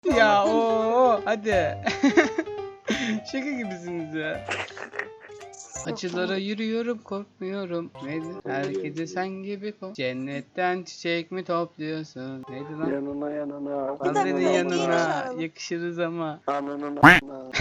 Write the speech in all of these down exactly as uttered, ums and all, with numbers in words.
Ya o hadi. Şaka gibisiniz ya. Acılara yürüyorum korkmuyorum. Neydi? Her gece sen gibi kok. Cennetten çiçek mi topluyorsun? Neydi lan? Yanına yanına. Kadının yanına çağıralım. yakışırız ama. Ananın anına.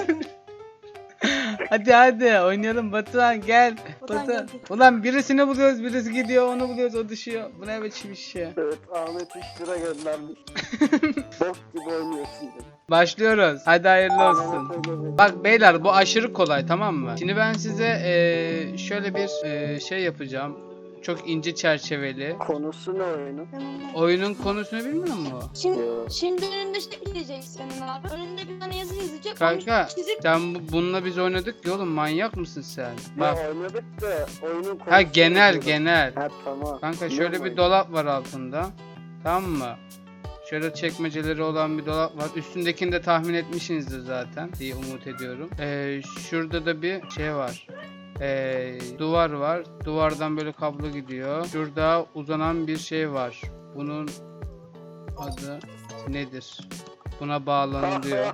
Hadi hadi oynayalım Batuhan gel. Batuhan Batuhan. geldi. Ulan birisini buluyoruz, birisi gidiyor, onu buluyoruz, o düşüyor. Bu ne biçim iş ya? Evet, Ahmet üç lira göndermiş. Bok gibi oynuyorsun dedi. Başlıyoruz. Hadi hayırlı olsun. Ahmet öyle dedi. Bak beyler bu aşırı kolay, tamam mı? Şimdi ben size eee, şöyle bir eee, şey yapacağım. Çok ince çerçeveli. Konusu ne oyunun? Oyunun konusunu bilmiyor musun? Şimdi, Yo. şimdi önünde şey diyecek senin abi. Önünde bir tane yazı yazacak. Kanka onu çizip sen bu, bununla biz oynadık ya oğlum, manyak mısın sen? Bak. Ya oynadık da oyunun konusu. Ha genel ne? genel. Ha tamam. Kanka Ne şöyle bir oyun? dolap var altında. Tamam mı? Şöyle çekmeceleri olan bir dolap var. Üstündekini de tahmin etmişsinizdir zaten diye umut ediyorum. Ee, şurada da bir şey var. Ee, duvar var. Duvardan böyle kablo gidiyor. Şurada uzanan bir şey var. Bunun adı nedir? Buna bağlanılıyor.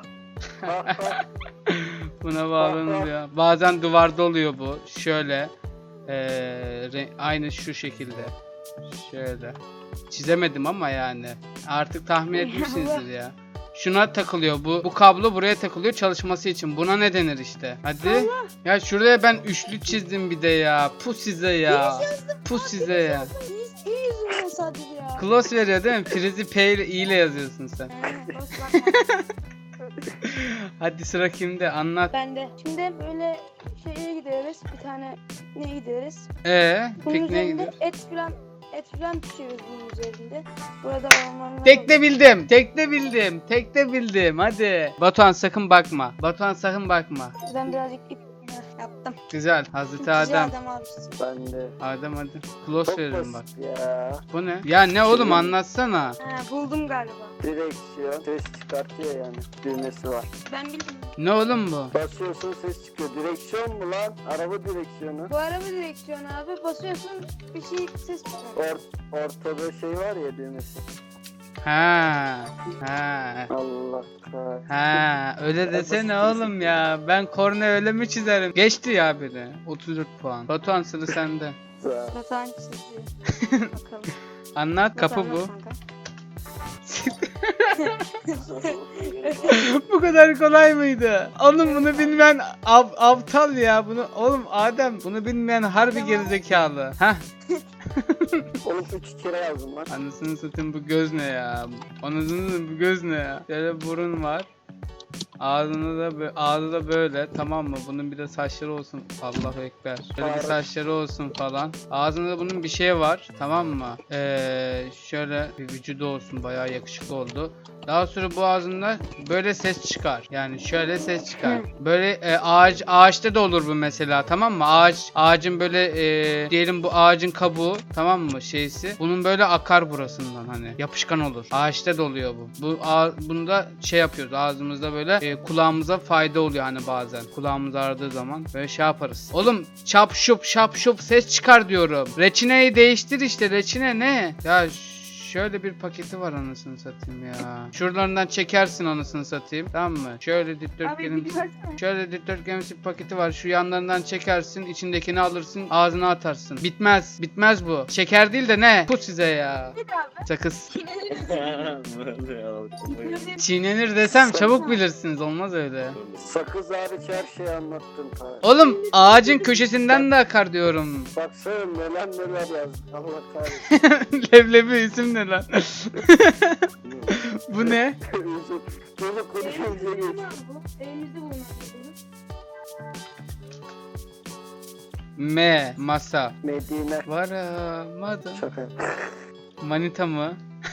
Buna bağlanılıyor. Bazen duvarda oluyor bu. Şöyle. Ee, re- aynı şu şekilde. Şöyle. Çizemedim ama yani. Artık tahmin etmişsinizdir ya. Şuna takılıyor bu. Bu kablo buraya takılıyor çalışması için. Buna ne denir işte? Hadi. Ya şuraya ben üçlü çizdim bir de ya. Pu size ya. Pu size ya. iyi, iyi yüzünden sadece ya. Close veriyor değil mi? Prizi P ile I ile yazıyorsun sen. Aynen, boş bakma. Hadi sıra kimde? Anlat. Ben de. Şimdi böyle şeye gidiyoruz. Bir tane ne gidiyoruz? Ee, Bunun pikniğe üzerinde gidiyor. et filan et filan pişiyoruz bunun üzerinde. Burada ormanlar Tek de oluyor. bildim. Tek de bildim. Tek de bildim. Hadi. Batuhan sakın bakma. Batuhan sakın bakma. Ben birazcık ip Heh, yaptım. Güzel. Hazreti Güzel Adem. adam abi. Ben de. Adem hadi. Close Çok veririm bak. basit ya. Bu ne? Ya ne oğlum anlatsana. Ha, buldum galiba. Direksiyon ses çıkartıyor yani. Düğmesi var. Ben bildim. Ne oğlum bu? Basıyorsun ses çıkıyor. Direksiyon mu lan? Araba direksiyonu. Bu araba direksiyonu abi. Basıyorsun bir şey ses çıkıyor. Or ortada şey var ya düğmesi. Ha. Ha. Allah kahretsin. Ha, öyle desene oğlum ya. Ben korna öyle mi çizerim? Geçti ya biri. otuz dört puan. Batuhan sıra sende. Güzel. Batuhan çiziyor. Bakalım. Anlat kapı Batuhan bu. nasıl kanka? Bu kadar kolay mıydı? Oğlum bunu bilmeyen av, aptal ya. Bunu oğlum Adem bunu bilmeyen harbi Tamam. gerizekalı. Hah. Oğlum üç kere yazdım lan. Anasını satayım bu göz ne ya? Anasını satayım bu göz ne ya? Şöyle burun var. Ağzını da bö- ağzı da böyle, tamam mı? Bunun bir de saçları olsun. Allahu ekber. Şöyle bir Evet. saçları olsun falan. Ağzında bunun bir şey var, tamam mı? Ee, şöyle bir vücudu olsun, bayağı yakışıklı oldu. Daha sonra bu ağzında böyle ses çıkar. Yani şöyle ses çıkar. Böyle e, ağaç ağaçta da olur bu mesela, tamam mı? Ağaç ağacın böyle e, diyelim bu ağacın kabuğu, tamam mı, şeysi. Bunun böyle akar burasından, hani yapışkan olur. Ağaçta da oluyor bu. Bu ağ, bunda şey yapıyoruz ağzımızda böyle e, kulağımıza fayda oluyor hani bazen. Kulağımız ağrıdığı zaman böyle şey yaparız. Oğlum şap şup şap şup ses çıkar diyorum. Reçineyi değiştir işte, reçine ne? Ya şöyle bir paketi var anasını satayım ya. Şuralarından çekersin anasını satayım. Tamam mı? Şöyle Abi dikdörtgenin bir versene. şöyle dikdörtgenimsi bir paketi var. Şu yanlarından çekersin, içindekini alırsın, ağzına atarsın. Bitmez. Bitmez bu. Şeker değil de ne? Bu size ya. Sakız. Çiğnenir desem çabuk bilirsiniz. Olmaz öyle. Sakız hariç her şeyi anlattın. ta. Oğlum ağacın köşesinden de akar diyorum. Baksana neler neler yazdı. Allah kahretsin. Leblebi isim ne lan? Bu ne? Çocuk konuşunca geç. Elimizde bulunan M. Masa. Medine. Varamadım. Şaka. Manita mı?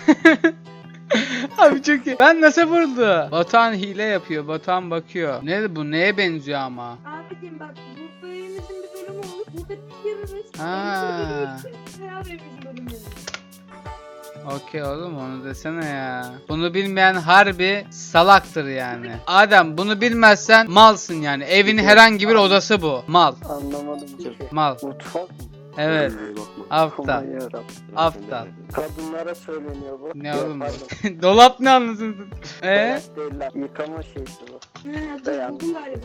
Abi çok iyi. Ben nasıl vurdu? Batuhan hile yapıyor. Batuhan bakıyor. Ne bu? Neye benziyor ama? Abicim bak bu bölümümüzün bir bölümü olur. Burada bitiririz. Ha. Beraber bizim bölümümüz. Okey oğlum, onu desene ya. Bunu bilmeyen harbi salaktır yani. Adem bunu bilmezsen malsın yani. Evin herhangi bir odası bu. Mal. Anlamadım ki. Mal. Mutfak mı? Evet. Kendine bakma. Aptal. Aman yarabbim. Aptal. Kadınlara söyleniyor bu. Ne Yok, oğlum bu? pardon. Dolap ne anlasın? Eee? Dolap değil lan. Yıkama şeysi bu. Ha, dur buldum galiba.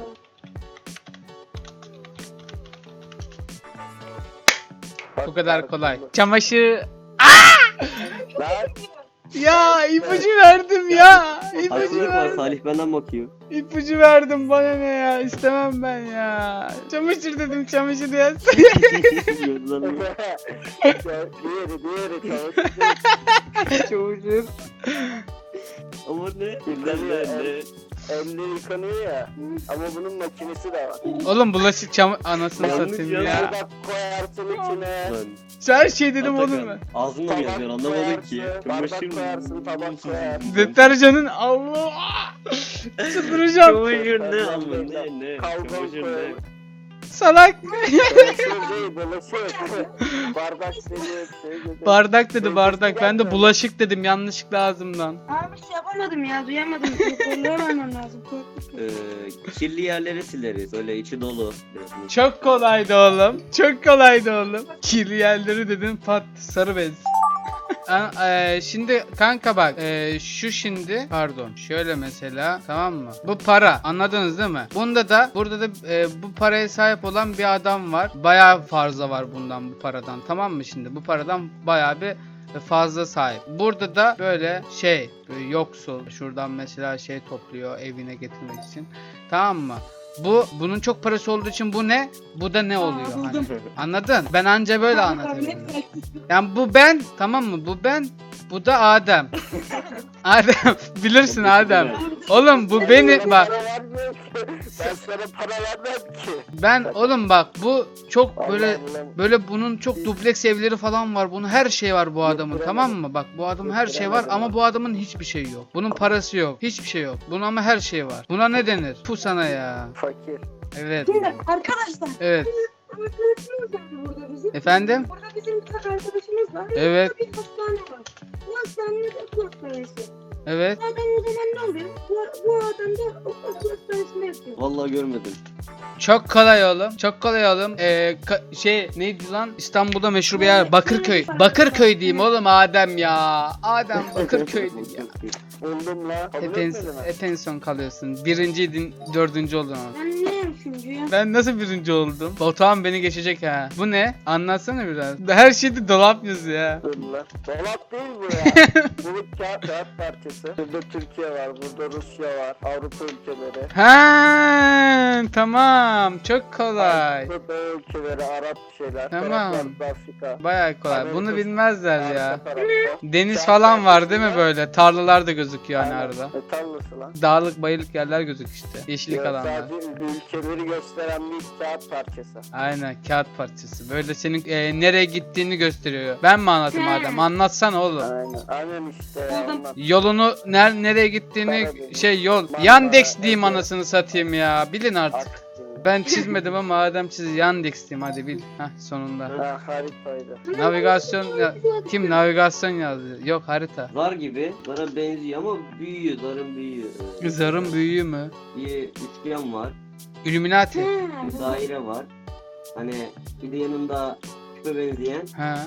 Bu kadar kolay. Çamaşır. Lan Ya ipucu verdim ya. İpucu Haksızlık var, verdim. Salih benden bakıyor. İpucu verdim bana ne ya. İstemem ben ya. Çamaşır dedim çamaşır yaz. Gözlerim. Ya, diğeri diğeri çamaşır. Çamaşır. Ama ne? Yıkanıyor, Ne? Ne? el- Elle yıkanıyor ya. Ama bunun makinesi de var. Oğlum bulaşık çam anasını Yanlış satayım ya. ya. Bardak koyarsın içine. Lan. Her şey dedim Atakan, oğlum ben. ağzınla mı yazıyorsun anlamadım ki. koyarsın, bardak koyarsın, tabak koyarsın. Deterjanın Allah. Çıldıracağım. Çamaşır ne ama ne ne? Kalkan Çamaşır ne? koyalım. Salak. Bulaşık değil, bulaşık. Bardak dedi, şey dedi. Bardak dedi bardak. Ben de bulaşık dedim yanlışlıkla ağzımdan. Abi şey yapamadım ya duyamadım. Kontrol vermem lazım. Ee, kirli yerleri sileriz. Öyle içi dolu. Biraz Çok kolaydı oğlum. Çok kolaydı oğlum. Kirli yerleri dedin pat sarı bez. An- eee, şimdi kanka bak eee, şu şimdi pardon şöyle mesela tamam mı? Bu para anladınız değil mi? Bunda da burada da eee, bu paraya sahip olan bir adam var. Bayağı fazla var bundan bu paradan tamam mı şimdi? Bu paradan bayağı bir fazla sahip. Burada da böyle şey böyle yoksul şuradan mesela şey topluyor evine getirmek için. Tamam mı? Bu bunun çok parası olduğu için bu ne? Bu da ne oluyor hani? buldum. Anladın? Ben anca böyle anlatabilirim. Yani bu ben tamam mı? Bu ben. Bu da Adem. Adem bilirsin Adem. Oğlum bu beni bak Para vermiyor ki. Ben sana para vermem ki. ben oğlum bak bu çok böyle Allah Allah. böyle bunun çok dubleks evleri falan var. Bunun her şey var bu adamın tamam mı? Bak bu adamın her şey var ama bu adamın hiçbir şey yok. Bunun parası yok. Hiçbir şey yok. Bunun ama her şey var. Buna ne denir? Bu sana ya. Fakir. Evet. Şimdi arkadaşlar. Evet. Arkadaşımız var burada bizim. Efendim? Burada bizim bir tane arkadaşımız var. Evet. Burada bir hastane var. Bu hastanenin okul hastanesi. Evet. Zaten o zaman ne oluyor? Bu, bu adam da okul hastanesinde yatıyor. Vallahi görmedim. Çok kolay oğlum. Çok kolay oğlum. Ee, ka- şey neydi lan? İstanbul'da meşhur bir yer. Bakırköy. Bakırköy diyeyim oğlum Adem ya. Adem Bakırköy diyeyim ya. Buldum la. Kabul Hep en, etmedin mi? hep en son kalıyorsun. Birinciydin, dördüncü oldun ama. Ben ne üçüncü ya? Ben nasıl birinci oldum? Batuhan beni geçecek ha. Bu ne? Anlatsana biraz. Her şeyde dolap yazıyor ya. Dur la. Dolap değil bu ya. Bu kağıt, kağıt parçası. Burada Türkiye var, burada Rusya var, Avrupa ülkeleri. Ha tamam. Çok kolay. Avrupa ülkeleri, Arap şeyler. Tamam. taraflarda Afrika. Baya kolay. Bunu Amerika- bilmezler ya. Arka tarafta. Deniz Kağıt falan var parçası değil mi ya. böyle? Tarlalar da gözüküyor hani Aynen. arada. Ne tarlası lan? Dağlık bayılık yerler gözük işte. Yeşillik Yok, alanlar. sadece ülkeleri gösteren bir kağıt parçası. Aynen kağıt parçası. Böyle senin e, nereye gittiğini gösteriyor. Ben mi anlatayım Adem? Anlatsana oğlum. Aynen. Aynen işte ya. Buldum. ondan. Yolunu ner nereye gittiğini Karadeniz. şey yol. Marmara, Yandex diyeyim Ege. anasını satayım ya. Bilin artık. Artık. Ben çizmedim ama Adem çiz. Yandex diyeyim hadi bil. Heh sonunda. Ha haritaydı. Navigasyon ya, kim navigasyon yazdı? Yok harita. Zar gibi. Zara benziyor ama büyüyor. Zarın büyüyor. Ee, Zarın büyüğü mü? Bir üçgen var. Illuminati. Ha, Bir daire var. Hani bir de yanında küpe benzeyen. Ha.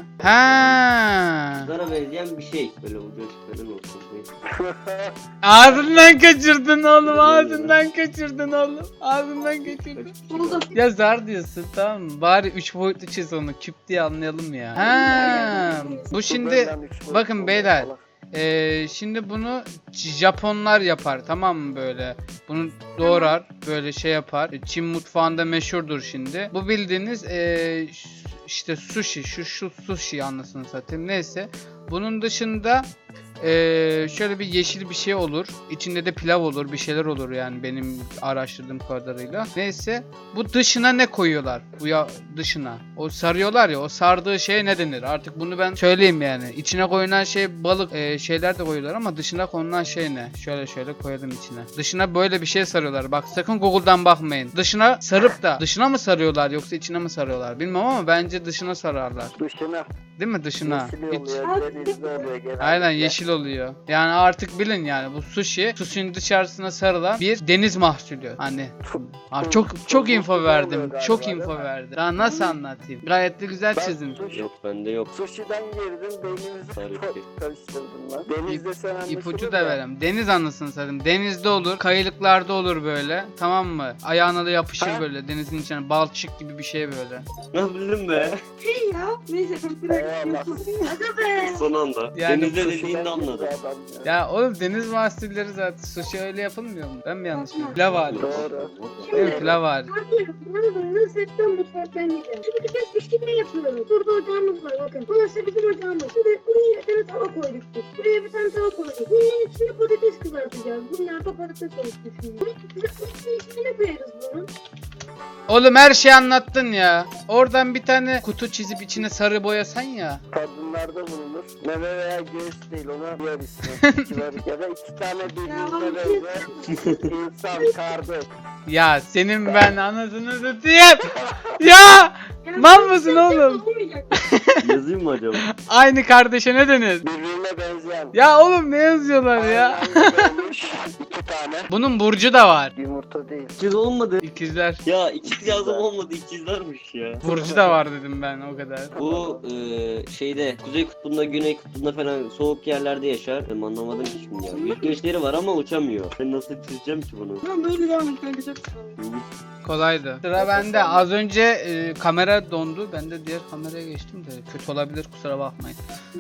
Ha. Zara benzeyen bir şey. Böyle ucu açık falan olsun. Neyse. Ağzından kaçırdın oğlum. Ağzından kaçırdın oğlum. Ağzından kaçırdın. buldum. Ya zar diyorsun tamam mı? Bari üç boyutlu çiz onu. Küp diye anlayalım ya. Ha. Bu şimdi Benden üç boyut bakın oluyor beyler. falan. Ee, şimdi bunu Japonlar yapar tamam mı böyle? Bunu doğrar böyle şey yapar. Çin mutfağında meşhurdur şimdi. Bu bildiğiniz ee, ş- işte sushi şu şu sushi anlasını satayım neyse. Bunun dışında ee, şöyle bir yeşil bir şey olur. İçinde de pilav olur bir şeyler olur yani benim araştırdığım kadarıyla. Neyse bu dışına ne koyuyorlar? Bu ya dışına. O sarıyorlar ya o sardığı şeye ne denir? Artık bunu ben söyleyeyim yani. İçine koyulan şey balık e, şeyler de koyuyorlar ama dışına konulan şey ne? Şöyle şöyle koyalım içine. Dışına böyle bir şey sarıyorlar. Bak sakın Google'dan bakmayın. Dışına sarıp da dışına mı sarıyorlar yoksa içine mi sarıyorlar? Bilmem ama bence dışına sararlar. Dışına. Değil mi dışına? Yeşil Hiç- oluyor, denizli oluyor genelde. Aynen yeşil oluyor. Yani artık bilin yani bu sushi sushi'nin dışarısına sarılan bir deniz mahsulü. Hani Abi çok çok info verdim. Çok info verdim. Daha nasıl anlatayım? Gayet de güzel Ben çizdim. sushi- Yok bende yok. Sushi'den girdim beynimizi Harika. karıştırdın lan. Denizde sen anlaşılır İpucu da ya. verem. Deniz anasını satayım. Denizde olur, kayılıklarda olur böyle. Tamam mı? Ayağına da yapışır Ha? böyle denizin içine. Balçık gibi bir şey böyle. Ne bildim be. Şey ya. Neyse. Eyvallah. Hadi be. Son anda. Yani Denizde Sushi'den dediğinde girdi anladım. adam ya. Ya oğlum deniz mahsulleri zaten sushi öyle yapılmıyor mu? Ben mi yanlış biliyorum? Pilav hali. Doğru. Evet pilav hali. Abi ben Nusret'ten mutfaktan gideceğim. Şimdi biz pişirme yapıyoruz. Burada ocağımız var bakın. Burası bizim ocağımız. Şimdi buraya bir tane tava koyduk biz. Buraya bir tane tava koyduk. Bunun içine patates kızartacağız. Bunlar da patates olsun şimdi. Bunun içine koyarız bunu. Oğlum her şeyi anlattın ya. Oradan bir tane kutu çizip içine sarı boyasan ya. Kadınlarda bulunur. Meme veya göğüs değil ona diğer ismi. Kibar- ya da iki tane birbirine benzer insan kardeş. Ya senin ben anasını satayım. Ya mal mısın oğlum? Olmayacak. Yazayım mı acaba? Aynı kardeşe ne denir? Birbirine benzeyen. Ya oğlum ne yazıyorlar ya? Aynen olmuş. İki tane. Bunun burcu da var. Yumurta değil. İkiz olmadı. İkizler. Ya ikiz yazım olmadı. İkizlermiş ya. Burcu da var dedim ben o kadar. Bu eee şeyde Kuzey Kutbu'nda, Güney Kutbu'nda falan soğuk yerlerde yaşar. Ben anlamadım ki şimdi ya. Yüzgeçleri var ama uçamıyor. Ben nasıl çizeceğim ki bunu? Tamam böyle devam et kanka. Kolaydı. Sıra bende. Az önce e, kamera dondu. Ben de diğer kameraya geçtim de kötü olabilir kusura bakmayın.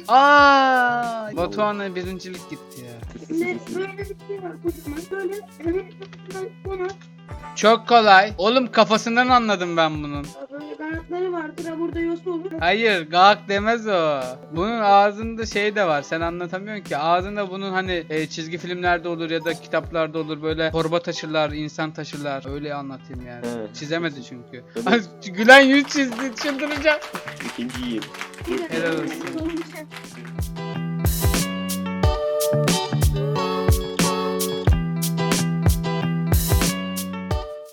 Aa! Batuhan'a birincilik gitti ya. Şimdi böyle bir şey var kocaman. Böyle hemen bunu Çok kolay. Oğlum kafasından anladım ben bunun. böyle kanatları vardır. Ha burada yosu olur. Hayır, gağak demez o. Bunun ağzında şey de var. Sen anlatamıyorsun ki. Ağzında bunun hani e, çizgi filmlerde olur ya da kitaplarda olur böyle torba taşırlar, insan taşırlar. Öyle anlatayım yani. Evet. Çizemedi çünkü. Evet. Ay, Gülen yüz çizdi. Çıldıracağım. İkinciyim. Helal olsun.